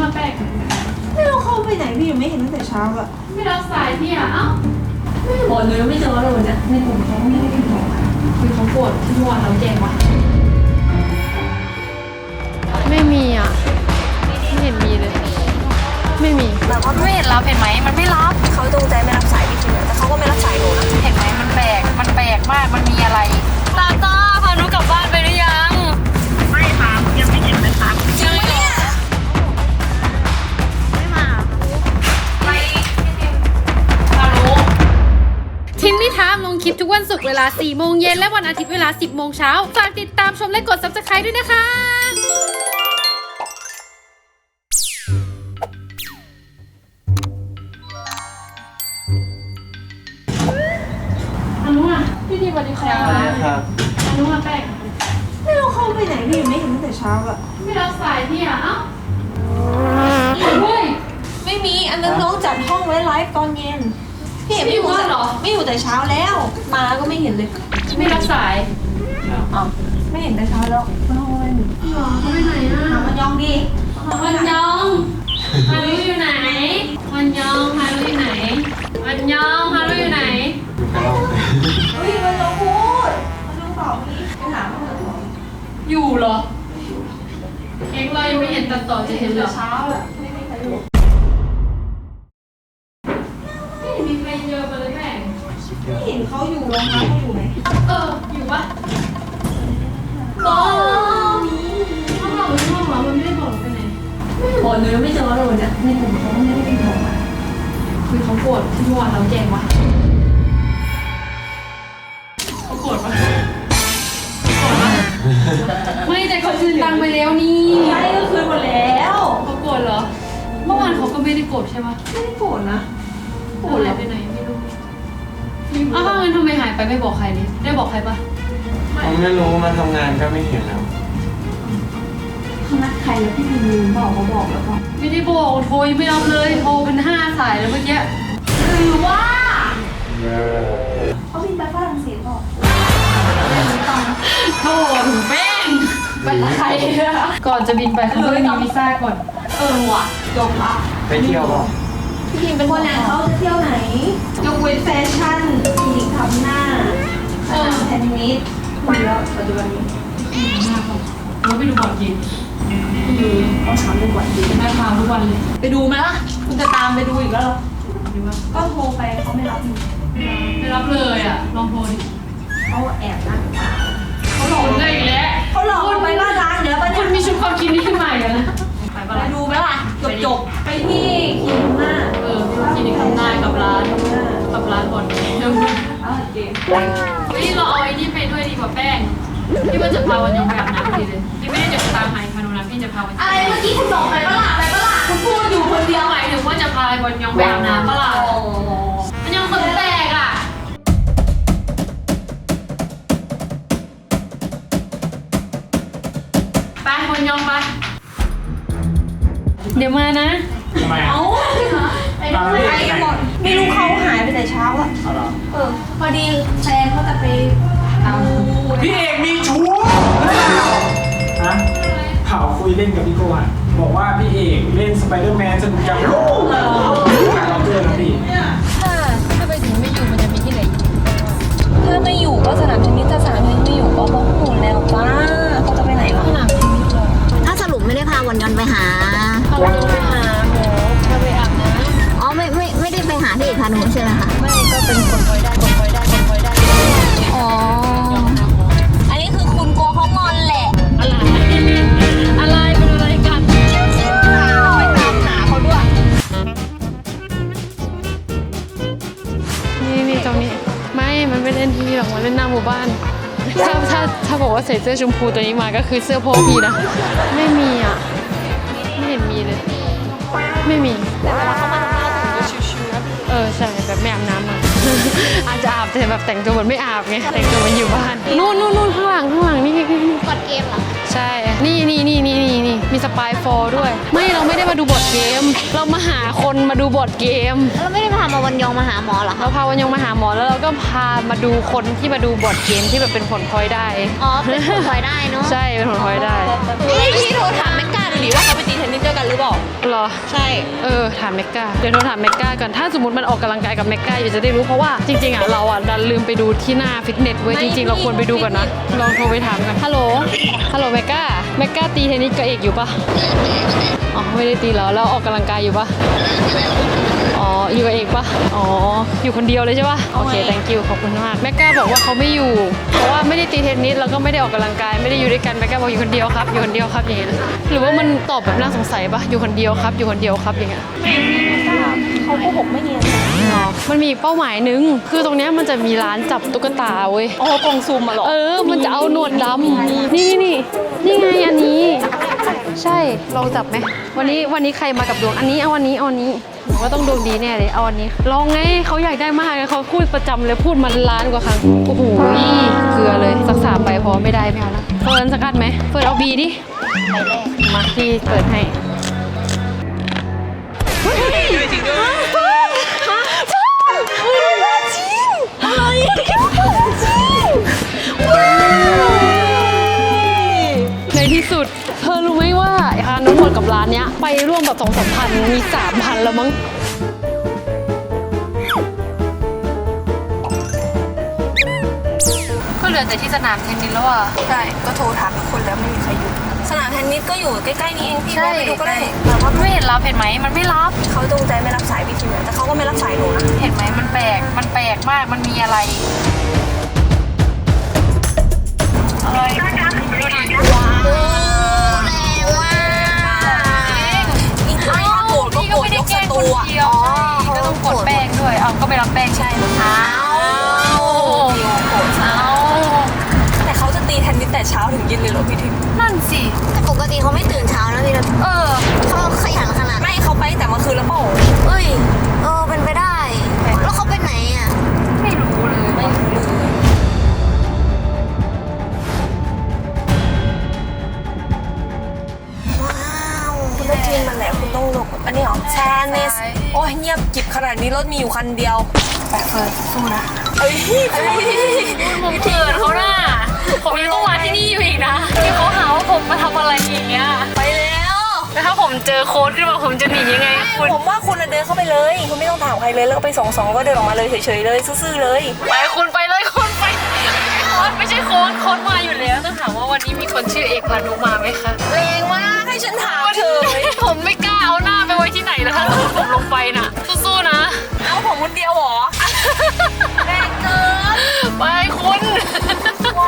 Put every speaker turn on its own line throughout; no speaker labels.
แป้ง
ไม่รู้เข้าไปไหนพี่ยังไม่เห็นตั้งแต่เช้าอะ
ไม่รับสายพี่อ่ะเอ้า
ไม่บอกเลยไม่เจอเลยนะในกลุ่มเขาไม่ได้ติดต่อมา
คือเขาโกรธที่เมื่อวานเราแจ้งวะ
ไม่มีอ่ะไม่เห็นมีเลยไม่มี
เราก็ไม่เห็นรับเห็นไหมมันไม่รับเขาจงใจไม่รับสายพี่จริงๆแต่เขาก็ไม่รับสายหนูนะเห็นไหมมันแปลกมากมันมีอะไรตาพาหนูกลับบ้านไปหรือยัง
ไม่ครับยังไม่เห็นเลยครับ
จริงไหมเนี่ยไม่มาไปฮัลโหล
ทิมมี่ทามลงคลิปทุกวันศุกร์เวลา 4 โมงเย็นและวันอาทิตย์เวลา 10 โมงเช้าฝากติดตามชมและกด Subscribe ด้วยนะคะ
อนุอ่ะพี่ดีสวัสดีค่ะอนุอ่ะแป้ง
ไม่รู้เข้าไปไหนพี่ยังไม่เห็นตั้งแต่เช้าอะ
ไม่รับสายพี่อ่ะเอ้าเฮ้ย
ไม่มีอันนั้นน้องจัดห้องไว้ไลฟ์ตอนเย็นพี่เห็นไม่อยู่แต่เช้าแล้วมาก็ไม่เห็นเลย
ไม่รับสาย
อ๋อไม่เห็นแต่เช้าแล้วมาห้องอะไรหนู
หรอเขาไปไหนอ่ะ
หามันยองดี
วันยองฮารุอยู่ไหนวันยองฮารุอยู่ไหนวันยองฮารุอยู่ไหน
เฮ้ยมันเราพูดมันดูเปล่าพี่ไปถามมันเถอะ
อยู่เหรอเอ็งเรายังไม่เห็นตัดต่อจะเห็นเหรอ
เช้าแหละไม่มีใครอยู่
ไม่มีใครเจอมาเลยแม่ง
ไม่เห็นเขาอยู่โรงงานเขาอยู่ไหน
อยู่ปะ
ก็มี
ห้องเราหรือห้องเรามันไม่ได้บอกไปไหน
บอกเลยไม่เจอเลยนะในกลุ่มเขาไม่ได้ติดต่อมา
คือเขาโกรธที่เมื่อวานเราแจ้งวะเขาโกรธปะไม่แต่เขาคืนตังค์ไปแล้วนี่
ใช่ก็คืนหมดแล้ว
เขาโกรธเหรอเมื่อวานเขาก็ไม่ได้โกรธใช่ปะ
ไม่ได้โกรธนะ
โกรธอะไรไปไหนไม่รู้อ้าวงั้นทำไมหายไปไม่บอกใครเลยได้บอกใครปะ
ผมไม่รู้มาทำงานก็ไม่เห็นแล้ว
เขานัดใครแล้วพี่พิมพ์บอกเขาบอกแล้วก็
ไม่ได้บอกโทรยังไม่รับเลยโทรเป็น5 สายแล้วเมื่อกี้
หรือว่าเขาบินไปฝรั่งเศสบอก
โทรถึงแป้งไปกับใครก่อนจะบินไปเขาต้องมีวีซ่าก่อน
ว่ะจบละ
ไปเที่ยวป่ะ
พี่พิมพ์เป็นคนไหนเขาจะเที่ยวไหนยกเว้นแฟชั่นคลินิกทำหน้าสนามเทนนิสคุยแล้วปัจจุบันนี้
มากเลยเราไปดูบอลเกม
เขาถามเรื่องวันดี
แม่พาทุกวันเลย
ไปดูไหมล่ะคุณจะตามไปดูอีกแล้วเหรอ
ดีว่า
ก็โทรไปเขาไม่รับอยู่
ไม่รับเลยอ่ะลองโทรดิ
เขาแอบนั่ง
เขาหลอกได้อีกแล้ว
เขาหลอกเราไปล่าร้านเดี๋ยวปะ
คุ
เนี่ย
ณมีชุดความคิดนี้ขึ้นมาอีกแล้วนะไปปะ
ไป
ล่ะ
ดูไหมล่ะจบไปที่คิมหน้า
คลินิกทำหน้ากับร้านบอลเกม
เกม
เฮ้ยเราเอาไอ้นี่ไปด้วยดีกว่าแป้งที่มันจะพาวันยองไปอาบน้ำทีเลยที่ไม่ได้จะตามหายพานุนะพี่จะพาวัน
อะไรเมื่อกี้คุณบอกไปปะล่ะคุณพูดอยู่คนเดียว
หมายถึงว่าจะพาวันยองไปอาบน้ำปะล่ะวันยองคนแรกอ่ะไปวันยองไปเดี๋ยวมานะ
ทำไมอ่ะ
ไปหมดไม่รู้เขาหายไปแต่เช้าอ่ะพอดีแฟนเขาจะไปเอา
พี่เอกมีชู้ฮะข่าวคุยเล่นกับพี่โกะบอกว่าพี่เอกเล่นสไปเดอร์แมนสนุกจังลูกหาเราเจอแล้วพี่
ถ้าไปถึงไม่อยู่มันจะมีที่ไหน
ถ้าไม่อยู่ก็สนามเทนนิสถ้าสนามเทนนิสไม่อยู่ก็บ้องหมุนแล้วป้าเขาจะไปไหนวะ
สนามเทนนิสเลย
ถ้าสรุปไม่ได้พาวันยอนไปหา
พาวันยองไปหาหมอพาไปอาบน้
อ๋อไม่ได้ไปหาที่เอกพานุใช่ไหมคะ
ำไม่ก็เป็นคนคอยได้
อ๋อ
อันนี้คือคุณกลัวเขางอนแหละ
อะไรเป็นอะไรกัน
เราไปตามหาเขาด้วย
นี่ตรงนี้มันไม่เล่นที่หรอกมันเล่นหน้าหมู่บ้านถ้าบอกว่าใส่เสื้อชมพูตัวนี้มาก็คือเสื้อพ่อพี่นะไม่มีอ่ะไม่เห็นมีเลยไม่มีแต่เวลาเขามาชิวๆนะใช่แบบไม่อาบน้ำอ่ะ อาจจะอาบแต่แบบแต่งตัวเหมือนไม่อาบไงแต่งตัวเหมือนอยู่บ้านนู่นข้างหลังนี่
กดเกมเหรอ
ใช่นี่มีสปายโฟด้วยไม่เราไม่ได้มาดูบอร์ดเกม เรามาหาคนมาดูบอร์ดเกม
แล้วไม่ได้พามาวันยองมาหาหมอเหรอคะ
เราพาวันยงมาหาหมอแล้วเราก็พามาดูคนที่มาดูบอร์ดเกมที่แบบเป็นผลพลอยได้
อ๋อ เป็นผลพลอยได้เนาะ
ใช่เป็นผลพลอยได้
พี่โทรถามแม่กาดูดิว่าเขาไปตีเทนนิสด้วยกันหรือเปล่า
หรออ
ใช่
ถามเมกาเดี๋ยวโทรถามเมกาก่อนถ้าสมมติมันออกกำลังกายกับเมกาอยู่จะได้รู้เพราะว่าจริงๆอ่ะเราอ่ะดันลืมไปดูที่หน้าฟิตเนสเว้ยจริงๆเราควรไปดูก่อนนะลองโทรไปถามกันฮัลโหลเมกาตีเทนนิสกับเอกอยู่ปะอ๋อไม่ได้ตีแล้วออกกำลังกายอยู่ปะอ๋ออยู่กับเอกปะอ๋ออยู่คนเดียวเลยใช่ปะโอเค thank you ขอบคุณมากเมกาบอกว่าเขาไม่อยู่เพราะว่าไม่ได้ตีเทนนิสแล้วก็ไม่ได้ออกกำลังกายไม่ได้อยู่ด้วยกันเมกาบอกอยู่คนเดียวครับอยู่คนเดียวครับอย่างเงี้ยหรือว่ามันตอบแบบน่าสงสัยปะอยู่คนเดียวครับอยู่คนเดียวครับอย่างเงี้ย
เขาโกหกไม่เนียน
มันมีเป้าหมายนึงคือตรงเนี้ยมันจะมีร้านจับตุ๊กตาเว้ย
อ๋อกล่องซูมมาหรอ
มันจะเอาหนวดดำนี่ไงอันนี้ ใช่ลองจับไหมวันนี้ใครมากับดวงอันนี้เอาอันนี้หนูว่าต้องดวงดีแน่เลยเอาอันนี้ลองไงเขาอยากได้มากเลยเขาพูดประจำเลยพูดมาล้านกว่าครั้งโอ้โหเกลือเลยสัก3ใบพอไม่ได้ไม่เอาละเฟิร์นสักอันไหมเฟิร์นเอาบีดิมาที่เปิดให้ในที่สุดเธอรู้ไหมว่าค่าน้ำมันกับร้านเนี้ยไปร่วมแบบ2-3 พันมี 3,000 แล้วมั้งก็เหลือแต่ที่สนามเทนนิสแล้วอ่ะ
ใช่ก็โทรถามทุกคนแล้วไม่มีใครอยู่สนามเทนนิสก็อยู่ใกล้ๆนี้เองพี่ว่าไปดูก็ได้แต่ว่า
ไม่เห็นรับเห็นไหมมันไม่รับ
เขาจงใจไม่รับสายพี่ฟิล์มแต่เขาก็ไม่รับสายหนูนะ
เห็นไหมมันแปลกมากมันมีอะไร
ก็โกรธยกสตูอ่ะ
ก็ต้องกดแป้งด้วยเอาก็ไม่รับแป้งใช่ไหมคะ
แต่เขาจะตีเทนนิสแต่เช้าถึงเย็นเลยเหรอพี่ทิม
นั่นสิ
แต่ปกติเขาไม่ตื่นเช้านะพี่นะเขาขยันขนาด
ไม่เขาไปแต่เมื่อคืนแล้วเปล่า
เอ้ยเป็นไปได้ แล้วเขาไปไหนอ่ะ
ไม่รู้เลย
ไม่รู้เลย
ว้าว
คุณต้องจีนมันแหละคุณต้องหลบอันนี้เหรอแชนเนสโอ้ยเงียบกิบขนาดนี้รถมีอยู่คันเดียว
แปะเฟิร์นสู้นะ
เอ้ย
ผมเขินเขาน่ะผมยังต้องมาที่นี่อยู่อีกนะที่เขาหาว่าผมมาทำอะไรอย่างเงี้ย
ไปแล้ว
แล้วถ้าผมเจอโค้ดขึ้นมาผมจะหนียังไงคุณ
ผมว่าคุณเดินเข้าไปเลยคุณไม่ต้องถามใครเลยแล้วก็ไปสองก็เดินออกมาเลยเฉยๆเลยซื่อๆเลย
ไปคุณไปเลยคุณไปโค้ดไม่ใช่โค้ดมาอยู่แล้วต้องถามว่าวันนี้มีคนชื่อเอกพานุมาไหมคะ
แรงมากให้ฉันถามเฉย
ผมไม่กล้าเอาหน้าไปไว้ที่ไหนแล้วถ้าผมลงไปน่ะสู้ๆนะ
เอาผมคนเดียวเหรอแรงเกิน
ไปคุณ
ไว้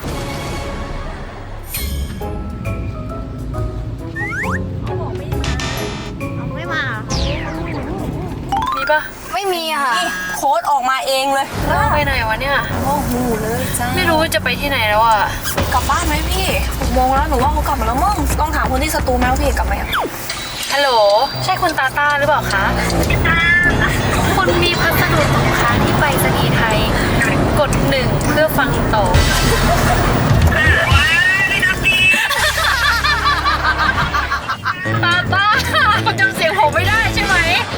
ไม่มา
มีปะ
ไม่มีอะค่ะ
นี่โค้ดออกมาเองเลย
แล้วไปไหนวะเนี่ย
โอ้โหเลยจ้า
ไม่รู้ว่าจะไปที่ไหนแล้วอ่ะ
กลับบ้านไหมพี่6 โมงแล้วหนูว่าเขากลับมาแล้วมั้งต้องถามคนที่สตูไหมว่าพี่เอกกลับไหมอะ
ฮัลโหลใช่คุณตาต้าหรือเปล่าคะคุณมีพัสดุตกค้างที่ไปรษณีย์ไทยกด1เพื่อฟังต่อตาต้าคุณจำเสียงผมไม่ได้ใช่ไหม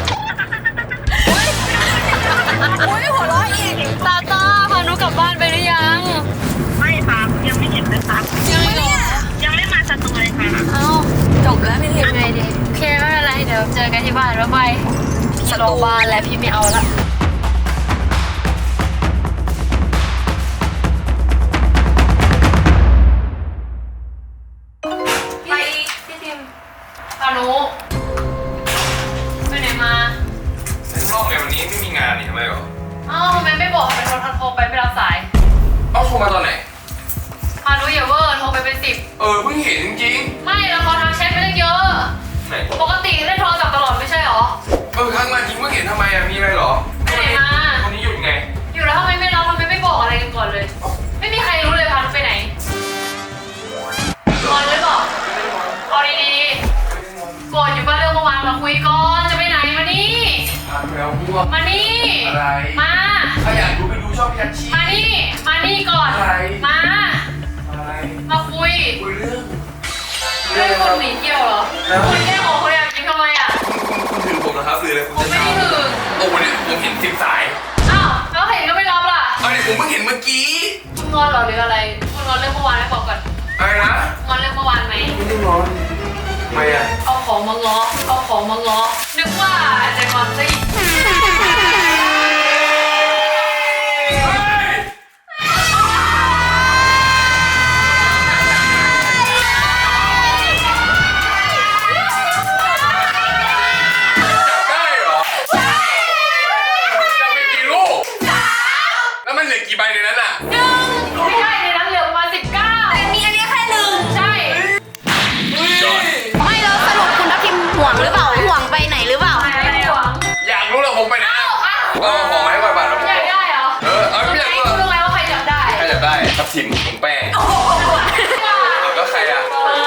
อุ้ยหัวเราะอีก
ตาต้าพานุกลับบ้านไปหรือยัง
ไม่ครับยังไม่เห็นเลยครับ
ยังไม่หรอ
ยังไม่มาสตูเลยค่ะ
เอ้า
จบแล้วพี่ทิม
ยังไงดีโอเคไม่เป็นไรเดี๋ยวเจอกันที่บ้านบ๊ายบายพี่รอบ้านแล้วพี่ไม่เอาละไปพี่ทิมพานุไปไหนมา
ในรอบในวันนี้ไม่มีงานนี่ทำไมหรอ
เอ้าทำไมไม่บอกเป็นโทรไปไม่รับสาย
เอ้าโทรมาตอนไหน
พานุอย่าเวอร์โทรไปเป็น10
เพิ่งเห็นจริง
ไม่แล้วเขาทางแชทไปตั้งเยอะ
ๆไหน
ปกติเล่นโทรศัพท์ตลอดไม่ใช่หรอ
ทักมาจริงเพิ่งเห็นทำไมอะมีอะไรหรอ
ไปไหนมา
วันนี้หยุดไง
อยู่แล้วทำไมไม่รับทำไมไม่บอกอะไรกันก่อนเลย ไม่มีใครรู้เลยพานุไปไหนงอนหรือเปล่าเอาดีๆโกรธอยู่ป่ะเรื่องเมื่อวานมาคุยก่อนจะไปไหนมานี่
แล้วพวก
มานี่
อะไร
มา
ถ้าอยากดูไปดูช่องยัดชี
มานี่ก่อน
อะไร
มา
อะไร
มาคุย
คุยเรื่อง
เรื่องคนหนีเที่ยวเหรอคุณแค่ของคนอยากกินทำไมอ่ะ
คุณถือผมนะครับหรืออะไรผม
ผม
จะ
ไม่
ถา
ได้
ม
ถือ
โอ้วันนี้ผมเห็น10 สาย
อ้าวแล้วเห็นก็ไม่รับล่ะ
เอาเนี่ยผมเพิ่งเห็นเมื่อกี้
คุณงอนเหรอหรืออะไรคุณงอนเรื่องเมื่อวานไหมบอกก่อน
อะไรนะ
งอนเรื่องเมื่อวานไหม
ไม่ได้ร้อนทำไมอะ
เอาของมาง้อเอา
ของมาง้อนึกว่าจะงอนซะอีก
ได้เหรอจะไปกี่ลูกแล้วมันเหลือกี่ใบในนั้นอ่ะ
ไม่ใช่ในนั้นเหลือประมาณ19แต่มีอันนี้แค่1ใช่
ไม่แล้วสรุปคุณทัพทิมห่วงหรือเปล่าห่วงไปไหนหรือเปล่า
ไม่หวัง
อยากรู้เหรอผมไปไหนอะเอาของมาให้ก่อนบาทแล้ว
อยากได้เหรอ
เอาไม่อยากรู้
รู้ไหมว่าใครจับได้
ใครอยากได้ทับทิมถุงแป้งแล้วใครอ่ะ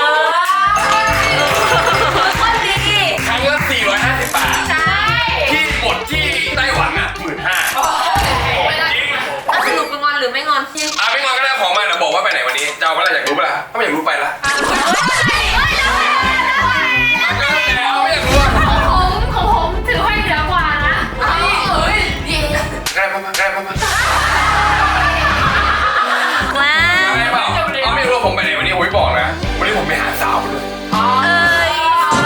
คนดี
ครั้งละ450 บาท
ใช่
ที่หมดที่ไต้หวันอ่ะ15,000จริง
สรุปเป็นงอนหรือไม่งอนพี่
ไม่งอนก็ได้ของมาเดี๋ยวบอกว่าไปไหนวันนี้จะเอาเมื่อไหร่อยากรู้ปะล่ะถ้าไม่อยากรู้ไปละแล้วไม่อยากรู้อ่ะ
ของผมถือให้เหนือกว่านะเฮ้ยดี
ก็ได้มา
ว้า
ได้เปล่าเอาไม่รู้ว่าผมไปไหนวันนี้โอ้ยบอกนะวันนี้ผมไปหาสาวด้วย
เอ้ย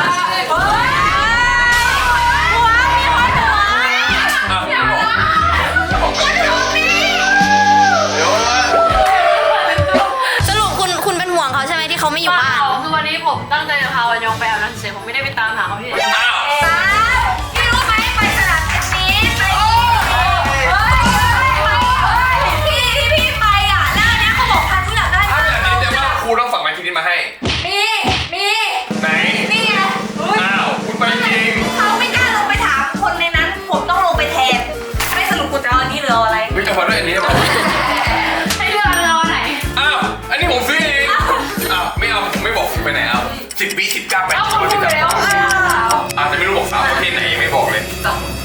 บอกไปเดี๋ยว
สรุปคุณเป็นห่วงเขาใช่ไหมที่เขาไม่อยู่บ้าน
คือวันนี้ผมตั้งใจจะพาวันยองไปอาบน้ำเฉยผมไม่ได้ไปตามหาเขาที่ไหน
อ้าว
พี่รู้ไหมไปสนามเทนนิสพี่ไปอ่ะแล้วอันนี้เขาบอกพันที่อยากได้
ถ้าแบบนี้เดี๋ยวว่าครูต้องฝากไม้ทีนี้มาให้
มี
ไหน
นี่ไง
อ้าวคุณไปจริง
เขาไม่กล้าลงไปถามคนในนั้น ผมต้องลงไปแทนไม่สรุปคุณจะเอาอันนี้หรือเอาอะไร
เฮ้ยเอามาด้วยอันนี้มา
ให้เลือกเอาไหน
อ้าวอันนี้ผมซื้อเองอ้าวไม่เอาผมไม่บอกผมไปไหนเอา10 ปี 19 8
เอา
10
คุณรู้แล้ว
อาจจะไม่รู้บอกสาวประเภทไหนยังไม่บอกเลย
2